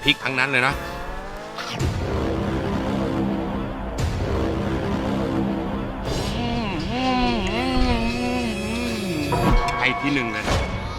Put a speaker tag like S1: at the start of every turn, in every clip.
S1: ริกทั้งนั้นเลยนะไปที่หนึ่งเลย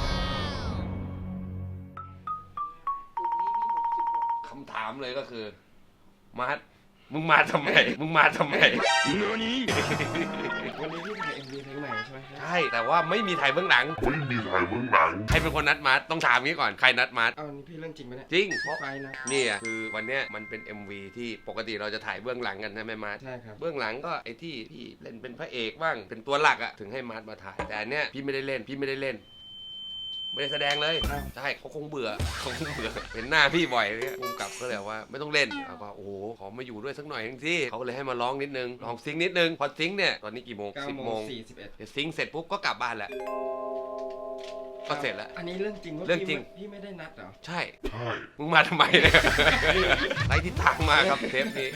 S1: คำถามเลยก็คือมาร์ทมึงมาทำไมมึงมาทำไม
S2: วันนี้พี่ถ่าย MV เพลงใหม่ใช่ไหมครับ
S1: ใช่แต่ว่าไม่มีถ่ายเบื้องหลังใครเป็นคนนัดมาร์ทต้องถามงี้ก่อนใครนัดมาร์ท
S2: เอานี่พี่เรื่องจริงไหมเนี่ย
S1: จริงเพราะ
S2: ไฟนะ
S1: นี่คือวันเนี้ยมันเป็น MV ที่ปกติเราจะถ่ายเบื้องหลังกันใช่ไหมมาร์ท
S2: ใช่ครับ
S1: เบื้องหลังก็ไอ้ที่พี่เล่นเป็นพระเอกบ้างเป็นตัวหลักอะถึงให้มาร์ทมาถ่ายแต่เนี้ยพี่ไม่ได้เล่นไม่ได้แสดงเลยใช่เขาคงเบื่อเห็นหน้าพี่บ่อยเนี่ยภูมิกับก็เลยว่าไม่ต้องเล่นแล้วก็โอ้โหขอมาอยู่ด้วยสักหน่อยทั้งที่เขาเลยให้มาร้องนิดนึงลองซิงนิดนึงพอซิงเนี่ยตอนนี้กี่โมง10 โมง
S2: 41
S1: เดี๋ยวซิงเสร็จปุ๊บก็กลับบ้านแหละก็เสร็จแล้ว
S2: อันนี้เรื่องจริงว่าพี่ไม่ได้นัดเหรอ
S1: ใช่มึงมาทำไมเนี่ยไรทิศทางมาครับเทปนี้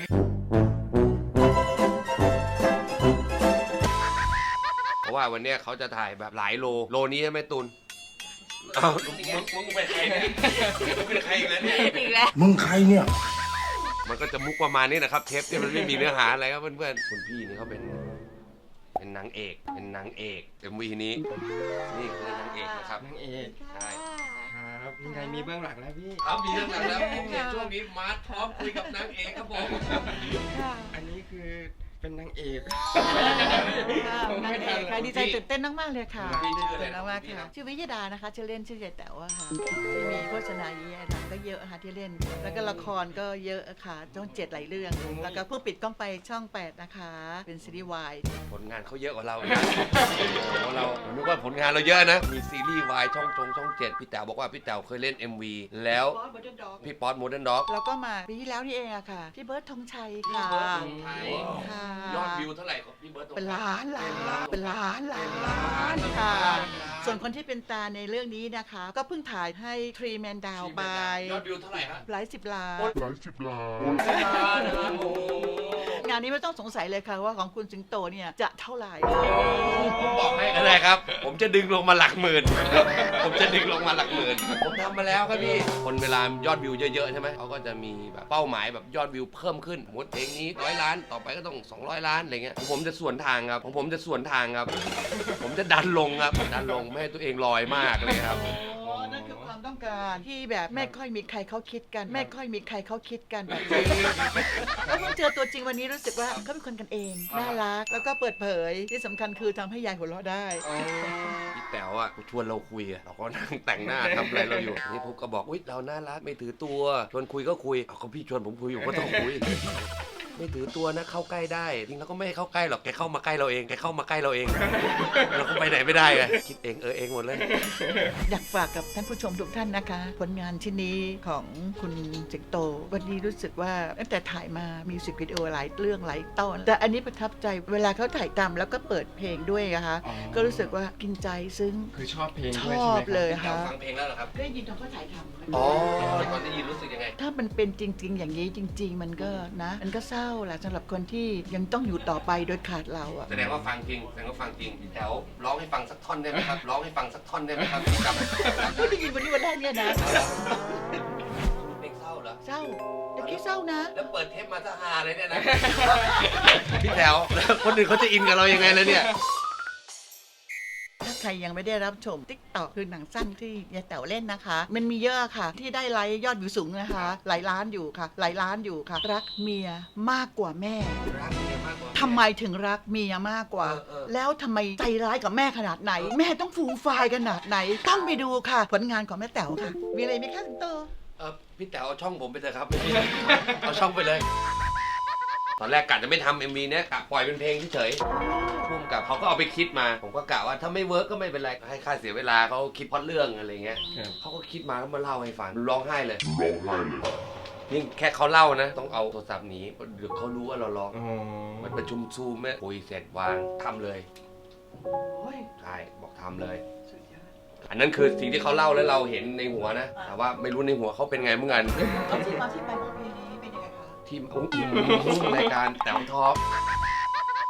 S1: เพราะว่าวันนี้เขาจะถ่ายแบบหลายโลนี้ใช่ไหมตุลเอามึงเป็นใครเนี่ยมึงเป็นใครอีกแล้วเนี่ย
S3: มึงใครเนี่ย
S1: มันก็จะมุกประมาณนี้นะครับเทปที่มันไม่มีเนื้อหาอะไรครับเพื่อนๆคุณพี่นี่เขาเป็นนางเอกMVนี้นี่คือนางเอกนะครับ
S2: นางเอก
S1: ใช่
S2: ครับยังไงมีเบื้องหลังแล้วพี่
S1: ครับมีเบื้องหลังแล้วช่วงนี้มาร์ทพร้อมคุยกับนางเอกครับผม
S2: อันนี้คือเป็นนางเอก
S4: นางเอกค่ะดีใจตื่นเต้นมากๆเลยค่ะ
S1: ตื่นเต้น
S4: มากค่ะชื่อวิยดานะคะชื่อเล่นชื่อยายแต๋วค่ะที่มีโฆษณาเยอะหนังก็เยอะค่ะที่เล่นแล้วก็ละครก็เยอะค่ะช่อง7หลายเรื่องแล้วก็เพิ่งปิดกล้องไปช่อง8นะคะเป็นซีรีส์วาย
S1: ผลงานเขาเยอะกว่าเราเรานึกว่าผลงานเราเยอะนะมีซีรีส์วายช่อง7พี่แต๋วบอกว่าพี่แต๋วเคยเล่น MV แล้วพี่ป๊อตโมเดิร์นด็อก
S4: แล้วก็มาปีที่แล้วนี่เองอะค่ะพี่เบิร์ดธงชัยค่ะ
S1: ยอดวิวเท่าไหร่ครับพี่เบิร์ด
S4: เป็นล้านค่ะส่วนคนที่เป็นตาในเรื่องนี้นะคะก็เพิ่งถ่ายให้ทรีแมนดาวไป
S1: ยอดวิวเท่าไหร่ครับ
S4: หลายสิบล้านงานนี้ไม่ต้องสงสัยเลยค่ะว่าของคุณสิงโตเนี่ยจะเท่าไหร่
S1: ผมบอกให้ก็ได้ครับผมจะดึงลงมาหลักหมื่นผมทำมาแล้วครับพี่คนเวลายอดวิวเยอะๆใช่ไหมเขาก็จะมีแบบเป้าหมายแบบยอดวิวเพิ่มขึ้นสมมติเพลงนี้100 ล้านต่อไปก็ต้อง200 ล้านอะไรเงี้ยผมจะสวนทางครับผมจะดันลงครับไม่ให้ตัวเองลอยมากเลยครับ
S4: นั่นคือความต้องการที่แบบไม่ค่อยมีใครเขาคิดกันแบบนี้แล้วเพิ่งเจอตัวจริงวันนี้รู้สึกว่าเขาเป็นคนกันเองน่ารักแล้วก็เปิดเผยที่สำคัญคือทำให้ยายหัวเราะได้
S1: พี่แต๋วอ่ะชวนเราคุยเราก็นั่งแต่งหน้าทำอะไรเราอยู่นี่ผมก็บอกอุ๊ยเราน่ารักไม่ถือตัวชวนคุยก็คุยเขาพี่ชวนผมคุยอยู่ก็ต้องคุยไม่ถือตัวนะเข้าใกล้ได้จริงแล้วก็ไม่ให้เข้าใกล้หรอกแกเข้ามาใกล้เราเองเราก็ไปไหนไม่ได้ไงคิดเองเองหมดเลย
S4: อยากฝากกับท่านผู้ชมทุกท่านนะคะผลงานชิ้นนี้ของคุณสิงโตวันนี้รู้สึกว่าตั้งแต่ถ่ายมามิวสิกวิดีโอหลายเรื่องหลายตอนแต่อันนี้ประทับใจเวลาเขาถ่ายทำแล้วก็เปิดเพลงด้วยนะคะก็รู้สึกว่ากินใจซึ้ง
S2: คือชอบเพลง
S4: ชอบเลยค่ะ
S1: ฟังเพลงแล้วเหรอครับ
S4: ได้ยินตอนเขาถ่ายทำ
S1: ตอนได้ยินรู้สึกยังไง
S4: ถ้ามันเป็นจริงๆอย่างนี้จริงๆมันก็นะมันก็เศร้าแหละสำหรับคนที่ยังต้องอยู่ต่อไปโดยขาดเราอะ
S1: แสดงว่าฟังจริงพี่แต๋วร้องให้ฟังสักท่อนได้ไหมครับพี่จำ
S4: ไม่ได้ยินวันนี้วันแรกเนี่ยนะ
S1: เพลงเศร้าเหรอ
S4: เศร้าแต่คิดเศร้านะ
S1: แล้วเปิดเทปมาซะฮาเลยเนี่ยนะพี่แต๋วแล้วคนอื่นเขาจะอินกับเรายังไงเลยเนี่ย
S4: ถ้าใครยังไม่ได้รับชม TikTok คือหนังสั้นที่ยายแต๋วเล่นนะคะมันมีเยอะค่ะที่ได้ไลค์ยอดวิวสูงนะคะหลายล้านอยู่ค่ะรักเมียมากกว่าแม่ทำไมถึงรักเมียมากกว่าแล้วทำไมใจร้ายกับแม่ขนาดไหนแม่ต้องฟูมฟายขนาดไหนต้องไปดูค่ะผลงานของแม่แต๋วค่ะมีอะไรไหมคะสิงโต
S1: พี่แต๋วเอาช่องผมไปเถอะครับเอาช่องไปเลยตอนแรกกะจะไม่ทำ MV เนี้ยกะปล่อยเป็นเพลงเฉยๆพุ่มกับเขาก็เอาไปคิดมาผมก็กะว่าถ้าไม่เวิร์กก็ไม่เป็นไรให้ค่าเสียเวลาเขาคิดพล็อตเรื่องอะไรเงี้ยเขาก็คิดมาแล้วมาเล่าให้ฟังร้องไห้เลยนี่แค่เขาเล่านะต้องเอาโทรศัพท์หนีเดี๋ยวเขารู้ว่าเราร้องมันประชุมซูมแม่คุยเสร็จวางทำเลยใช่บอกทำเลยอันนั้นคือสิ่งที่เขาเล่าแล้วเราเห็นในหัวนะแต่ว่าไม่รู้ในหัวเขาเป็นไงเหมือนกัน
S4: ที่มาที่ไปของเพลงนี้เป็นยังไงคะ
S1: ทีมรายการแต๋วท็อป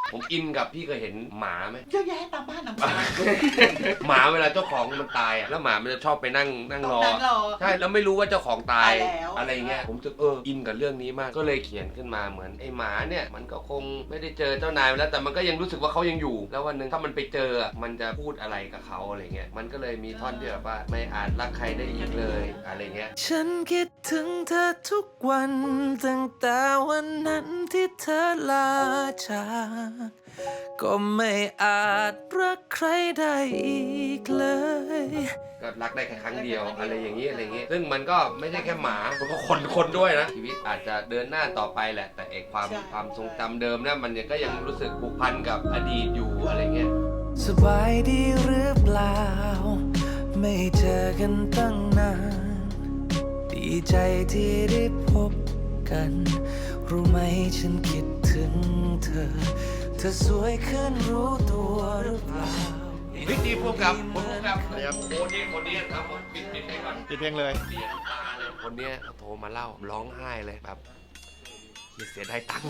S1: ผมอินกับพี่เคยเห็นหมาไหม
S4: เยอะแยะตามบ้านตามบ้าน
S1: หมาเวลาเจ้าของมันตายอ่ะแล้วหมามันจะชอบไปนั่งรอ
S4: นั่งรอ
S1: ใช่แล้วไม่รู้ว่าเจ้าของตาย
S4: ตายแล้ว
S1: อะไรเงี้ยผมจะอินกับเรื่องนี้มากก็เลยเขียนขึ้นมาเหมือนไอ้หมาเนี่ยมันก็คงไม่ได้เจอเจ้านายแล้วแต่มันก็ยังรู้สึกว่าเขายังอยู่ แล้ววันหนึ่งถ้ามันไปเจอมันจะพูดอะไรกับเขาอะไรเงี้ยมันก็เลยมีท่อนที่แบบว่าไม่อาจรักใครได้อีกเลยอะไรเงี้ย
S3: ฉันคิดถึงเธอทุกวันตั้งแต่วันนั้นที่เธอลาจากก็ไม่อาจรักใครได้อีกเลย
S1: ก็รักได้แค่ครั้งเดียวอะไรอย่างนี้อะไรอย่างนี้ซึ่งมันก็ไม่ใช่แค่หมามันก็คนด้วยนะชีวิตอาจจะเดินหน้าต่อไปแหละแต่ความทรงจำเดิมนะมันก็ยังรู้สึกผูกพันกับอดีตอยู่อะไรเงี้ย
S3: สบายดีหรือเปล่า ไม่เจอกันตั้งนาน ดีใจที่ได้พบกัน รู้ไหมฉันคิดถึงเธอ เธอสวยขึ้นรู้ตัวหรือเปล่า
S1: พี่ดีพูดกับคนพูดกับคนนี้ครับผมปิดให้ก่อน
S2: ปิดเพลงเลย
S1: เสียตาเลยคนเนี้ยโทรมาเล่าร้องไห้เลยแบบเสียดายตังค์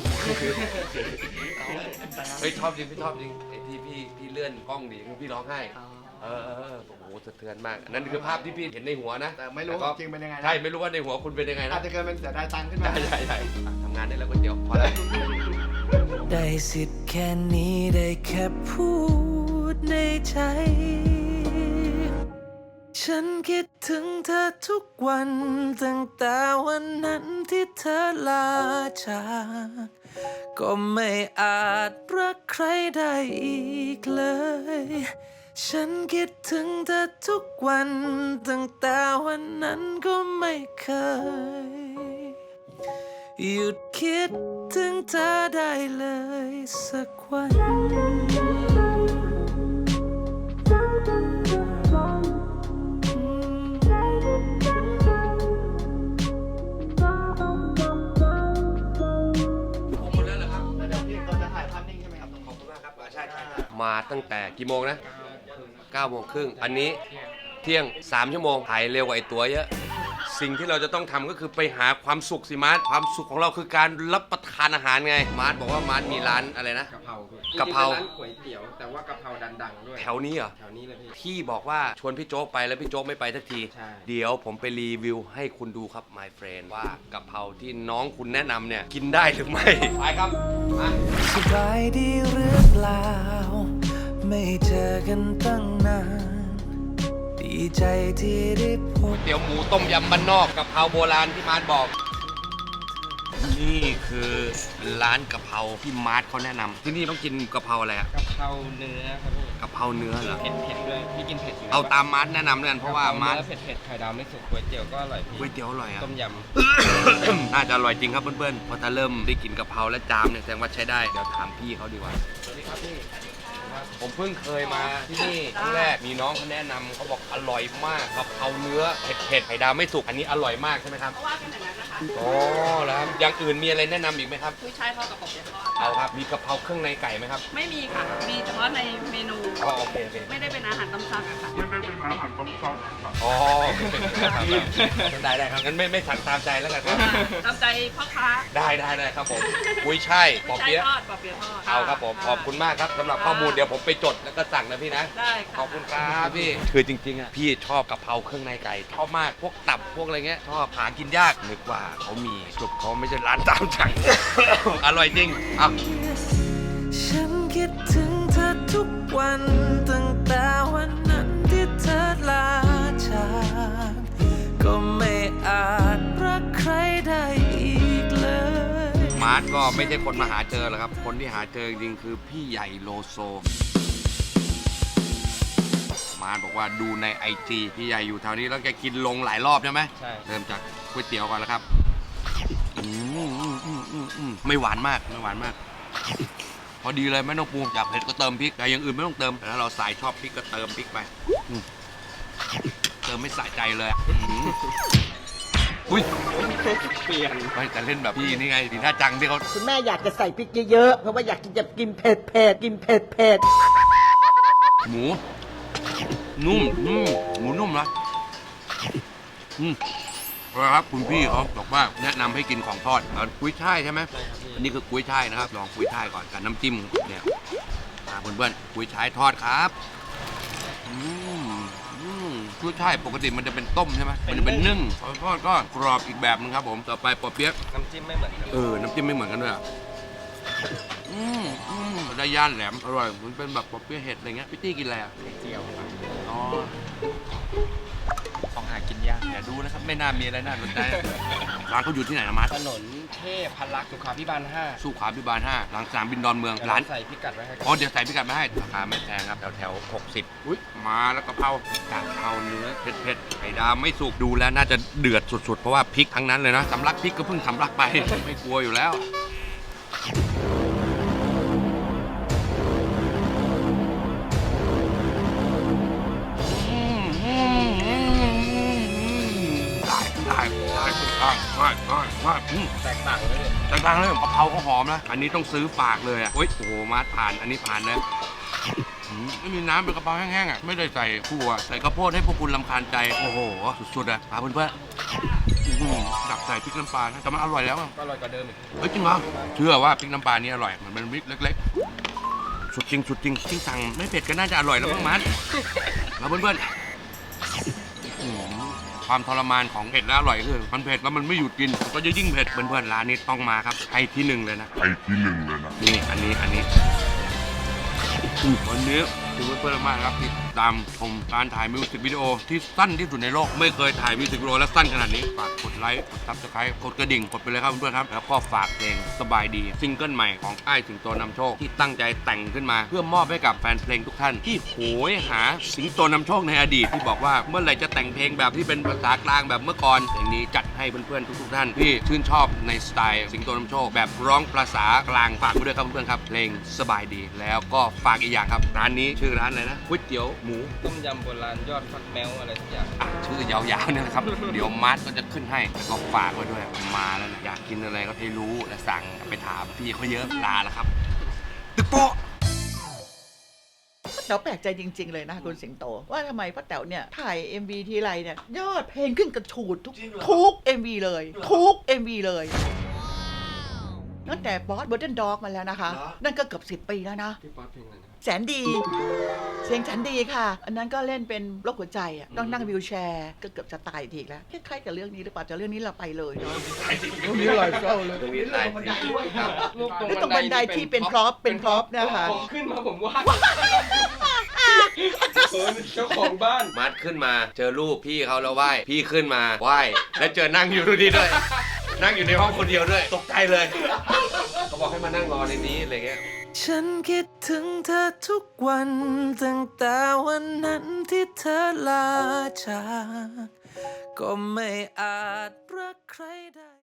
S1: เฮ้ยชอบจริงพี่ชอบจริงไอ้ที่พี่เลื่อนกล้องดีคือพี่ร้องไห้โอ้โหสะเทือนมากอันนั้นคือภาพที่พี่เห็นในหัวนะ
S2: แต่ไม่รู้
S1: ก็
S2: จริงเป็นยังไงนะ
S1: ใช่ไม่รู้ว่าในหัวคุณเป็นยังไง
S2: อา
S1: นะ
S2: จจะเกิดเป็นเสียดายตังค์ขึ้นมา
S1: ใช่ทำงานได้แล้วก๋วยเตี๋ยวพอแล้ว
S3: ได้สิทธิ์แค่นี้ได้แค่พูดในใจ ฉันคิดถึงเธอทุกวันตั้งแต่วันนั้นที่เธอลาจากก็ไม่อาจรักใครได้อีกเลย ฉันคิดถึงเธอทุกวันตั้งแต่วันนั้นก็ไม่เคย หยุดคิดถึงเธอได้เลยสักวัน
S1: ผมหมดแล้วเหรอครับ
S2: แล้วเดี๋ยวพี่เราจะถ่ายภาพนิ่งใช่ไหมครับ
S1: ขอบคุณมากครับใช่มาตั้งแต่กี่โมงนะ9 โมงครึ่งอันนี้เที่ยง3 ชั่วโมงถ่ายเร็วกว่าไอ้ตัวเยอะ สิ่งที่เราจะต้องทำก็คือไปหาความสุขสิมาร์ทความสุขของเราคือการรับประทานอาหารไงมาร์ทบอกว่ามาร์ทมีร้านอะไรนะ
S5: กะเพรา
S1: กะเพรา
S5: จงๆเป็นร้านก๋วยเตี๋ยวแต่ว่ากะเพราดังๆด้วย
S1: แถวนี้เหรอ
S5: แถวนี้เลยพี่
S1: พี่บอกว่าชวนพี่โจ๊กไปแล้วพี่โจ๊กไม่ไปสักที
S5: ใช่
S1: เดี๋ยวผมไปรีวิวให้คุณดูครับ my friend ว่ากะเพราที่น้องคุณแนะนำเนี่ยกินได้หรือไม่ ไปครับมา
S3: สบายดีหรือเปล่า ไม่เจอกันตั้งนาน ดีใจที่ได้พบ
S1: เตี๋ยวหมูต้มยำบ้านนอกกะเพราโบราณที่มาร์ทบอก นี่คือร้านกะเพราที่มาร์ทเขาแนะนำที่นี่ต้องกินกะเพราอะไรอะ
S5: กะเพราเนื้อครับพี่
S1: กะเพราเนื้อเหรอ
S5: เผ็ดๆด้วยพี่กินเผ็ดอยู่
S1: เอาตามมาร์ทแนะนำเลยกันเพราะว่ามาร์ท
S5: เนื้อเผ็ดๆไข่ดาวไม่สุกก๋วยเตี๋ยวก็อร่อยพี่
S1: ก๋วยเตี๋ยวอร่อยอะ
S5: ต้มย
S1: น่าจะอร่อยจริงครับเพื่อนๆเพราะถ้าเริ่มได้กินกะเพราและจามเนี่ยแสดงว่าใช้ได้เดี๋ยวถามพี่เขาดีกว่าสวัสดีครับพี่ผมเพิ่งเคยมาที่นี่ครั้งแรกมีน้องเขาแนะนำเขาบอกอร่อยมากกะเพราเนื้อเผ็ดๆไข่ดาวไม่สุกอันนี้อร่อยมากใช่ไหมครับ
S6: เพราะว่าเป็นอย่างนั้นนะคะ
S1: อ๋อแล้วครับอย่างอื่นมีอะไรแนะนำอีกไหมครับ
S6: กุ้ยช่ายทอดกับปอบเปี๊ยะทอด
S1: เอาครับมีกะเพราเครื่องในไก่ไหมครับ
S6: ไม่มีค่ะ มีเฉพาะในเมนู
S1: อ๋อโอเคโอเค
S6: ไม่ได้เป็นอาหารตามสั่งอะค่ะ
S1: อ๋อได้ครับงั้นไม่สั่งตามใจแล้วกันครับ
S6: ตามใจพ่อค้า
S1: ได้ครับผมกุ้ยช่ายปอ
S6: กุ้ยช่าย
S1: เปี๊ยะ
S6: ทอดปอบเปี๊ยะทอด
S1: เอาครับผมขอบคุณมากครับสำหรับข้อมูลเดี๋ยวผมไปจดแล้วก็สั่งนะพี่นะ
S6: ได้ค่ะ
S1: ขอบคุณครับพี่ คือจริงๆอ่ะพี่ชอบกะเพราเครื่องในไก่ชอบมากพวกตับพวกอะไรเงี้ยชอบหากินยากนึกว่าเขามีสรุปเขาไม่ใช่ร้านตามสั่ง อร่อยจริงอ่ะ
S3: ฉันคิดถึงเธอทุกวันตั้งแต่วันนั้นที่เธอลาจากก็ไม่อาจรักใครได้อีกเลย
S1: มาร์ทก็ไม่ใช่คนมาหาเจอหรอกครับ คนที่หาเจอจริงๆคือพี่ใหญ่โลโซ มาร์ทบอกว่าดูใน IG พี่ใหญ่อยู่แถวนี้แล้วแกกินลงหลายรอบใช่ไหม
S5: ำใช่
S1: เริ่มจากก๋วยเตี๋ยวก่อนแล้วครับไม่หวานมากไม่หวานมาก พอดีเลยไม่ต้องปรุงอยากเผ็ดก็เติมพริกแต่อย่างอื่นไม่ต้องเติมแต่ถ้าเราสายชอบพริกก็เติมพริกไปเติมไม่สะใจเลยอะอุ้ย
S5: เปลี่ยน
S1: ไม่แต่เล่นแบบพี่นี่ไงดีท่าจังที่เขา
S4: คุณแม่อยากจะใส่พริกเยอะๆ เพราะว่าอยากจะกินเผ็ดๆ กินเผ็ด
S1: หมูนุ่มหมูนุ่มนะครับคุณพี่เขาบอกว่าแนะนำให้กินของทอดเอากุ้ยช่ายใช่ไหม
S5: ใช่ครับพี่
S1: อันนี้คือกุ้ยช่ายนะครับลองกุ้ยช่ายก่อนกับน้ำจิ้มเนี่ยมาเพื่อนๆกุ้ยช่ายทอดครับอืมกุ้ยช่ายปกติมันจะเป็นต้มใช่ไหมมันจะเป็นนึ่งพอทอดก็กรอบอีกแบบนึงครับผมต่อไปปอเปี๊ยะ
S5: น้ำจิ้มไม่เหมือนกัน
S1: น้ำจิ้มไม่เหมือนกันด้วยอ่ะได้ย่านแหลมอร่อยมันเป็นแบบปอเปี๊ยะเห็ดอะไรเงี้ยพี่ตี้กินอะไรอ่ะ
S5: เจียวครับ
S1: อ๋อ
S2: ของหากินยาก
S1: อย่าดูนะครับไม่น่ามีอะไรน่าสนใจร้านเขาอยู่ที่ไหนนะมัด
S5: ถนนเทพพลักษ์สุขาภิบาล 5
S1: สุขาพิบาล5หลังสนามบินดอนเมือง
S5: เดี๋ยว
S1: ร้าน
S5: ใส่พิกัดไว้ให้
S1: อ๋อเดี๋ยวใส่พิกัดมาให้ราคาไม่แพงครับแถว60อุ้ยมาแล้วกะเพรเนื้อเผ็ดไข่ดาวไม่สุกดูแล้วน่าจะเดือดสุดๆเพราะว่าพริกทั้งนั้นเลยนะสำลักพริกก็เพิ่งสำลักไป ไม่กลัวอยู่แล้วได้
S5: แตกต่างเลย
S1: แต่ดังเลยกะเพราเขาหอมนะอันนี้ต้องซื้อฝากเลยอ่ะโอ้ยโอ้โหมาผ่านอันนี้ผ่านเลยไม่มีน้ำเป็นกะเพราแห้งๆอ่ะไม่ได้ใส่ขั่วใส่ข้าวโพดให้พวกคุณรำคาญใจโอ้โหสุดๆอ่ะพาเพื่อนๆดักใส่พริกน้ำปลานะแต่มันอร่อยแล้วอ่ะ
S5: ก็อร่อยกว่าเดิมอีก
S1: เฮ้ยจริงเหรอเชื่อว่าพริกน้ำปลานี่อร่อยมันเป็นพริกเล็กๆสุดจริงที่สั่งไม่เผ็ดก็น่าจะอร่อยแล้วมั้งมันแล้วเพื่อนๆความทรมานของเผ็ดและอร่อยคือมันเผ็ดแล้วมันไม่หยุดกินมันก็จะยิ่งเผ็ดเพื่อนๆร้านนี้ต้องมาครับให้ที่หนึ่งเลยนะนี่อันนี้วันนี้ถือว่าเพื่อนมากครับที่ตามชมการถ่ายมิวสิกวิดีโอที่สั้นที่สุดในโลกไม่เคยถ่ายมิวสิกวิดีโอและสั้นขนาดนี้ฝากกดไลค์กดซับสไครต์กดกระดิ่งกดไปเลยครับเพื่อนๆครับแล้วก็ฝากเพลงสบายดีซิงเกิลใหม่ของอ้ายสิงโตนำโชคที่ตั้งใจแต่งขึ้นมาเพื่อมอบให้กับแฟนเพลงทุกท่านที่โหยหาสิงโตนำโชคในอดีตที่บอกว่าเมื่อไหร่จะแต่งเพลงแบบที่เป็นภาษากลางแบบเมื่อก่อนเพลงนี้จัดให้เพื่อนๆทุกๆท่านที่ชื่นชอบในสไตล์สิงโตนำโชคแบบร้องภาษากลางฝากไว้ด้วยครับเพื่อนๆครับเพลงสบายดีแล้วก็ฝากอีกอย่างครับร้านนี้ชื่อร้านอะไรนะก๋วยเตี๋ยวหมู
S5: ต้มยำโบราณยอดฟักแมวอะไรทุกอย่าง
S1: ชื่อยาวๆเนี่ยนะครับ เดี๋ยวมาร์ทก็จะขึ้นให้แล้วก็ฝากไว้ด้วยมาแล้วนะอยากกินอะไรก็ให้รู้และสั่งไปถามพี่เขาเยอะลาแล้วครับตึกโป๊ะ
S4: เราแปลกใจจริง ๆ เลยนะคุณสิงโต ว่าทำไมป้าแต๋วเนี่ยถ่าย MV ทีไรเนี่ยยอดเพลงขึ้นกระฉูดทุก MV เลยทุก MV เลยตั้งแต่บอสเบอร์เดนด็อกมาแล้วนะคะ นั่นก็เกือบ10 ปีแล้วนะ
S5: พี่ป๊อตเพลงอะไรนะ
S4: แสนดีเสียงฉันดีค่ะ อันนั้นก็เล่นเป็นโรคหัวใจอ่ะต้องนั่งวีลแชร์ก็เกือบจะตายทีแล้วคล้ายๆกับเรื่องนี้หรือเปล่าแต่เรื่องนี้เราไปเลยเนาะ
S5: ตรงนี้อร่อยเศร้าเลย
S1: ตรงนี้ตายจริงครับ
S4: แล้วตรงบันไดที่เป็นพร็อพนะคะ
S5: ผมขึ้นมาผมว่าเจ้าของบ้าน
S1: มาร์ทขึ้นมาเจอรูปพี่เขาแล้วไหว้พี่ขึ้นมาไหว้แล้วเจอนั่งอยู่ตรงนี้ด้วย นั่งอยู่ในห้องคนเดียวด้วยตกใจเลยเขาบอกให้มานั่งรอในนี้อะไรเงี้ย
S3: ฉันคิดถึงเธอทุกวันตั้งแต่วันนั้นที่เธอลาจากก็ไม่อาจรักใครได้